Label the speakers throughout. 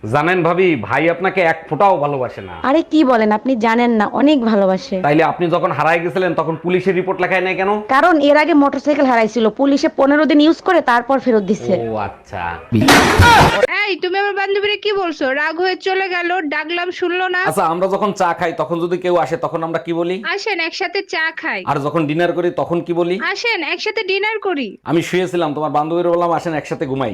Speaker 1: জানেন ভাবি, ভাই আপনাকে এক ফোঁটাও ভালোবাসে না।
Speaker 2: আরে কি বলেন, আপনি জানেন না, অনেক ভালোবাসে।
Speaker 1: তাইলে আপনি যখন হারায় গেছিলেন তখন পুলিশের রিপোর্ট লেখায় নাই কেন?
Speaker 2: কারণ এর আগে মোটরসাইকেল হারাইছিল, পুলিশে 15 দিন ইউজ করে তারপর ফেরত দিচ্ছে।
Speaker 1: ও আচ্ছা।
Speaker 3: এই তুমি আমার বান্ধবীরে কি বলছো? রাগ হয়ে চলে গেল, ডাকলাম শুনলো না।
Speaker 1: আচ্ছা, আমরা যখন চা খাই তখন যদি কেউ আসে তখন আমরা কি বলি?
Speaker 3: আসেন একসাথে চা খাই।
Speaker 1: আর যখন ডিনার করি তখন কি বলি?
Speaker 3: আসেন একসাথে ডিনার করি।
Speaker 1: আমি শুয়েছিলাম, তোমার বান্ধবীর বললাম আসেন একসাথে ঘুমাই।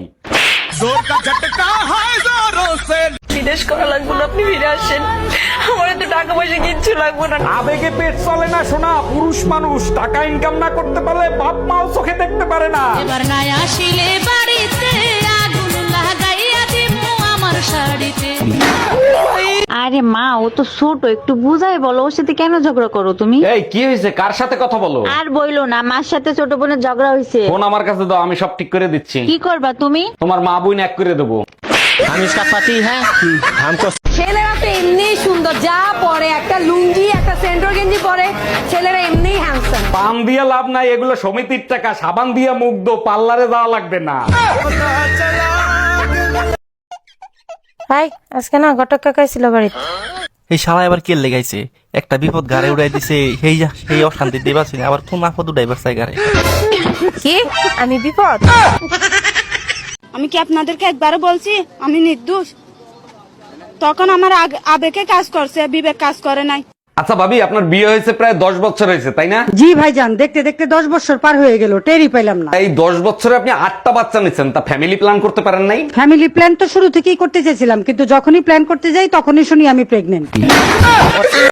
Speaker 4: বিদেশ করা লাগবে না, আপনি ফিরে আসেন। আমার তো টাকা পয়সা কিচ্ছু লাগবে না।
Speaker 1: আবেগে পেট চলে না সোনা, পুরুষ মানুষ টাকা ইনকাম না করতে পারলে বাপ মাও চোখে দেখতে পারে না।
Speaker 5: এবার না আসিলে বাড়িতে আগুন লাগাইয়া দিমু আমার শাড়িতে।
Speaker 2: আরে মা, ও তো ছোট, একটু বুঝাই বলো, ওর সাথে কেন ঝগড়া করো তুমি?
Speaker 1: এই কি হয়েছে, কার সাথে কথা বলো?
Speaker 2: আর বইলো না, মার সাথে ছোট বোনের ঝগড়া হয়েছে।
Speaker 1: ফোন আমার কাছে দাও, আমি সব ঠিক করে দিচ্ছি।
Speaker 2: কি করবা তুমি?
Speaker 1: তোমার মা বোন এক করে দেবো।
Speaker 6: हम इसका पति है, हमको
Speaker 7: ছেলেরা তো এমনি সুন্দর, যা পরে একটা লুঙ্গি একটা সেন্টর গেঞ্জি পরে ছেলেরা এমনি হ্যান্ডসাম।
Speaker 1: পান দিয়া লাভ নাই, এগুলো সমিতির টাকা, সাবান দিয়া মুখ দো, পার্লারে যাওয়া লাগবে না।
Speaker 8: ভাই আজকে না ঘটক কাকাই ছিল বাড়িতে।
Speaker 6: এই শালা এবার কে লেগাইছে, একটা বিপদ গাড়ি উড়াই দিছে, সেই অশান্তি দিবাছি আবার কোন আপদ উড়াইবার চাই গাড়ি।
Speaker 8: কি আমি বিপদ?
Speaker 9: আমি কি আপনাদেরকে একবারও বলছি আমি নির্দোষ? তখন আমার আবেগে কাজ করছে, বিবেক কাজ করে নাই।
Speaker 1: আচ্ছা ভাবি, আপনার বিয়ে হয়েছে প্রায় 10 বছর হয়েছে তাই না?
Speaker 7: জি ভাইজান, দেখতে দেখতে 10 বছর পার হয়ে গেল, টেরই পাইলাম না।
Speaker 1: এই 10 বছরে আপনি 8টা বাচ্চা নিচ্ছেন, তা ফ্যামিলি প্ল্যান করতে পারেন নাই?
Speaker 7: ফ্যামিলি প্ল্যান তো শুরু থেকেই করতে চেয়েছিলাম, কিন্তু যখনই প্ল্যান করতে যাই তখনই শুনি আমি প্রেগনেন্ট।